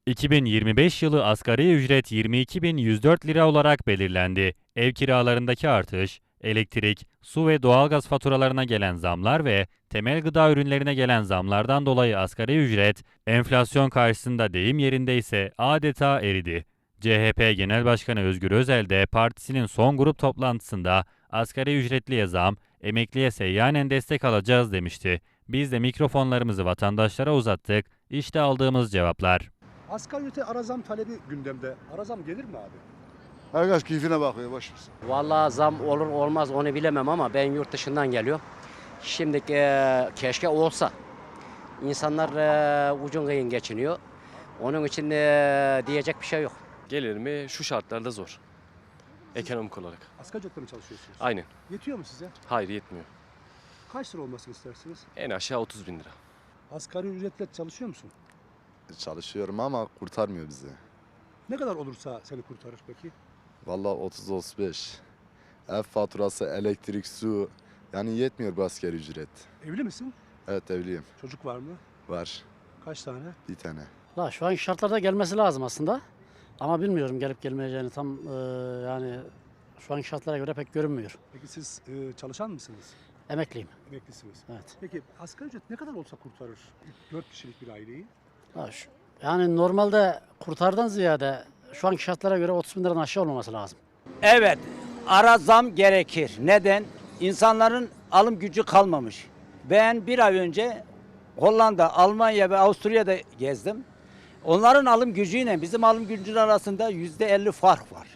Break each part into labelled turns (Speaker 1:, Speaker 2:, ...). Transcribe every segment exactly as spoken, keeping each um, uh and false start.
Speaker 1: iki bin yirmi beş yılı asgari ücret yirmi iki bin yüz dört lira olarak belirlendi. Ev kiralarındaki artış, elektrik, su ve doğalgaz faturalarına gelen zamlar ve temel gıda ürünlerine gelen zamlardan dolayı asgari ücret, enflasyon karşısında deyim yerindeyse adeta eridi. C H P Genel Başkanı Özgür Özel de partisinin son grup toplantısında asgari ücretliye zam, emekliye seyyanen destek alacağız demişti. Biz de mikrofonlarımızı vatandaşlara uzattık. İşte aldığımız cevaplar.
Speaker 2: Asgari ücrete ara zam talebi gündemde. Ara zam gelir mi abi?
Speaker 3: Herkes keyfine bakıyor, boş versin.
Speaker 4: Vallahi zam olur olmaz onu bilemem ama ben yurt dışından geliyorum. Şimdi e, keşke olsa. İnsanlar e, ucun kıyın geçiniyor. Onun için e, diyecek bir şey yok.
Speaker 5: Gelir mi? Şu şartlarda zor. Ekonomik olarak.
Speaker 2: Asgari ücretle mi çalışıyorsunuz?
Speaker 5: Aynen.
Speaker 2: Yetiyor mu size?
Speaker 5: Hayır yetmiyor.
Speaker 2: Kaç lira olmasını istersiniz?
Speaker 5: En aşağı otuz bin lira.
Speaker 2: Asgari ücretle çalışıyor musun?
Speaker 3: Çalışıyorum ama kurtarmıyor bizi.
Speaker 2: Ne kadar olursa seni kurtarır peki?
Speaker 3: Vallahi otuz otuz beş. Ev faturası, elektrik, su. Yani yetmiyor bu asgari ücret.
Speaker 2: Evli misin?
Speaker 3: Evet, evliyim.
Speaker 2: Çocuk var mı?
Speaker 3: Var.
Speaker 2: Kaç tane?
Speaker 3: Bir tane.
Speaker 6: La şu an şartlarda gelmesi lazım aslında. Ama bilmiyorum gelip gelmeyeceğini tam e, yani şu anki şartlara göre pek görünmüyor.
Speaker 2: Peki siz e, çalışan mısınız?
Speaker 6: Emekliyim.
Speaker 2: Emeklisiniz.
Speaker 6: Evet.
Speaker 2: Peki asgari ücret ne kadar olsa kurtarır dört kişilik bir aileyi?
Speaker 6: La şu- yani normalde kurtardan ziyade şu anki şartlara göre otuz bin liradan aşağı olmaması lazım.
Speaker 7: Evet, ara zam gerekir. Neden? İnsanların alım gücü kalmamış. Ben bir ay önce Hollanda, Almanya ve Avusturya'da gezdim. Onların alım gücüyle bizim alım gücünün arasında yüzde elli fark var.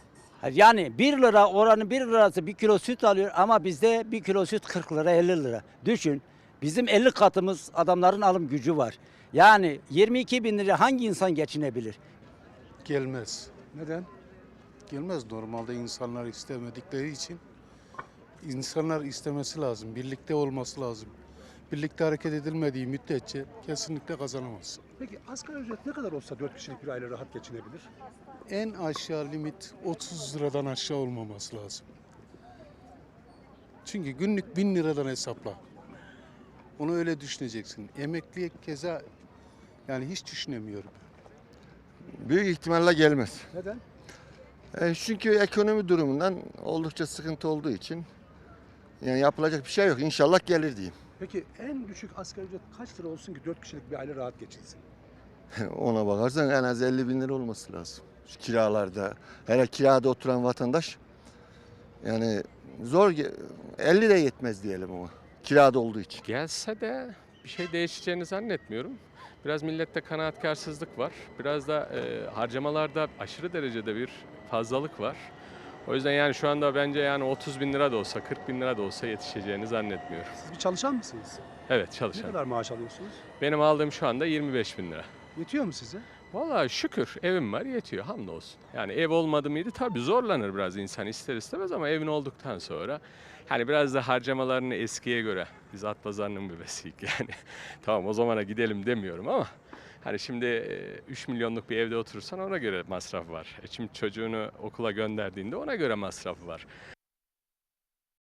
Speaker 7: Yani bir lira, oranın bir lirası bir kilo süt alıyor ama bizde bir kilo süt kırk lira, elli lira. Düşün, bizim elli katımız adamların alım gücü var. Yani yirmi iki bin lira hangi insan geçinebilir?
Speaker 8: Gelmez.
Speaker 2: Neden?
Speaker 8: Gelmez normalde insanlar istemedikleri için. İnsanlar istemesi lazım, birlikte olması lazım. Birlikte hareket edilmediği müddetçe kesinlikle kazanamaz.
Speaker 2: Peki asgari ücret ne kadar olsa dört kişilik bir aile rahat geçinebilir?
Speaker 8: En aşağı limit otuz liradan aşağı olmaması lazım. Çünkü günlük bin liradan hesapla. Onu öyle düşüneceksin. Emekliye keza yani hiç düşünemiyorum.
Speaker 9: Büyük ihtimalle gelmez.
Speaker 2: Neden?
Speaker 9: E, çünkü ekonomi durumundan oldukça sıkıntı olduğu için yani yapılacak bir şey yok. İnşallah gelir diyeyim.
Speaker 2: Peki en düşük asgari ücret kaç lira olsun ki dört kişilik bir aile rahat geçinsin?
Speaker 9: Ona bakarsan en az elli bin lira olması lazım. Şu kiralarda, hele kirada oturan vatandaş yani zor, ge- elli de yetmez diyelim ama kirada olduğu için.
Speaker 5: Gelse de bir şey değişeceğini zannetmiyorum. Biraz millette kanaatkarsızlık var. Biraz da e, harcamalarda aşırı derecede bir fazlalık var. O yüzden yani şu anda bence yani otuz bin lira da olsa, kırk bin lira da olsa yetişeceğini zannetmiyorum.
Speaker 2: Siz bir çalışan mısınız?
Speaker 5: Evet,
Speaker 2: Ne
Speaker 5: çalışan.
Speaker 2: kadar maaş alıyorsunuz?
Speaker 5: Benim aldığım şu anda yirmi beş bin lira.
Speaker 2: Yetiyor mu size?
Speaker 5: Vallahi şükür evim var, yetiyor, hamdolsun. Yani ev olmadı mıydı tabii zorlanır biraz insan ister istemez ama evin olduktan sonra hani biraz da harcamalarını eskiye göre, biz at pazarının bebesiyik yani. Tamam, o zamana gidelim demiyorum ama hani şimdi e, üç milyonluk bir evde oturursan ona göre masraf var. E şimdi çocuğunu okula gönderdiğinde ona göre masraf var.